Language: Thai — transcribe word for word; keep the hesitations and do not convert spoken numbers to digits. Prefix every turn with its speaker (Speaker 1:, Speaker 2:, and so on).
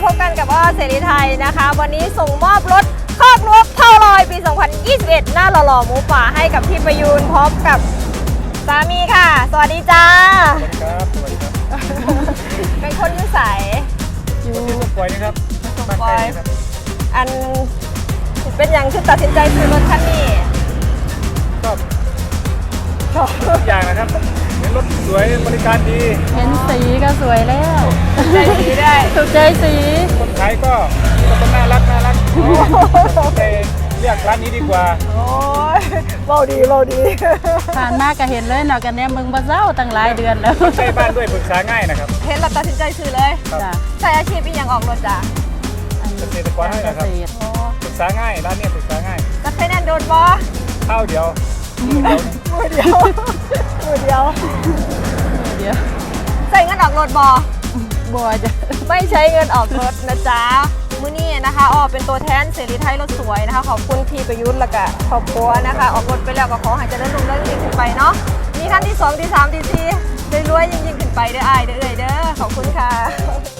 Speaker 1: บกันกับอ้อเสรีไทยนะคะวันนี้ส่งมอบรถคอกนกเท่าลอยปี สองพันยี่สิบเอ็ด หน้าหล่อๆหมูป่าให้กับพี่ประยูนพร้อมกับสามีค่ะ สวัสดีจ้า
Speaker 2: สวัสดีครับ สวัสดีครับ
Speaker 1: เป็นคนยุ่ใส
Speaker 2: อยู่ที่สมปอยนะครับบ้านใกล้นะครับ
Speaker 1: อันเป็นอย่างที่ตัดสินใจซื้อรถคันนี้
Speaker 2: ชอบชอบทุกอย่างนะครับเห็นรถสวยบริการดี
Speaker 3: เห็นสีก็สวยแล้ว
Speaker 1: ใจดีได้
Speaker 3: ถูกใจสี
Speaker 2: คนขายก็ก็น่ารักน่ารักไปเรียกร้านนี้ดีกว่า
Speaker 1: โอ้ยเบาดีเบาดี
Speaker 3: ผ่านมาก็เห็นเลยเนาะกันเนี่ยมึงบ่เศร้าตั้งหลายเดือนแล้ว
Speaker 2: ใกล้บ้านด้วยปรึกษาง่ายนะครับ
Speaker 1: เห็นเราตัดสินใจซื้อเลย
Speaker 2: ครับ
Speaker 3: จ้ะ
Speaker 1: ใส่อาชีพเป็นอย่างออกรถจ้ะ
Speaker 3: อัน
Speaker 2: เกษตรกรให้นะครับ
Speaker 3: เกษตร
Speaker 1: โอ้
Speaker 2: ปรึกษาง่ายร้านเนี้ปรึกษาง่าย
Speaker 1: จะใช้แน่นโดนบอ
Speaker 2: ข้าวเดียว
Speaker 1: มือเดียวมือเดียว
Speaker 3: เดี๋ยว
Speaker 1: ใส่เงินออกรถบอ
Speaker 3: บัวจะ
Speaker 1: ไม่ใช้เงินออกรถนะจ๊ะมื้อนี้นะคะออกเป็นตัวแทนเสรีไทยรถสวยนะคะขอบคุณพี่ประยุทธ์และก็ครอบครัวนะคะ ออกรถไปแล้วก็ขอให้เจริญรุ่งเรืองยิ่งขึ้นไปเนาะมีขั้นที่สองที่สามที่สี่รวยๆยิ่งๆขึ้นไปเด้ออ้ายเด้อเอ้ยเด้อขอบคุณค่ะ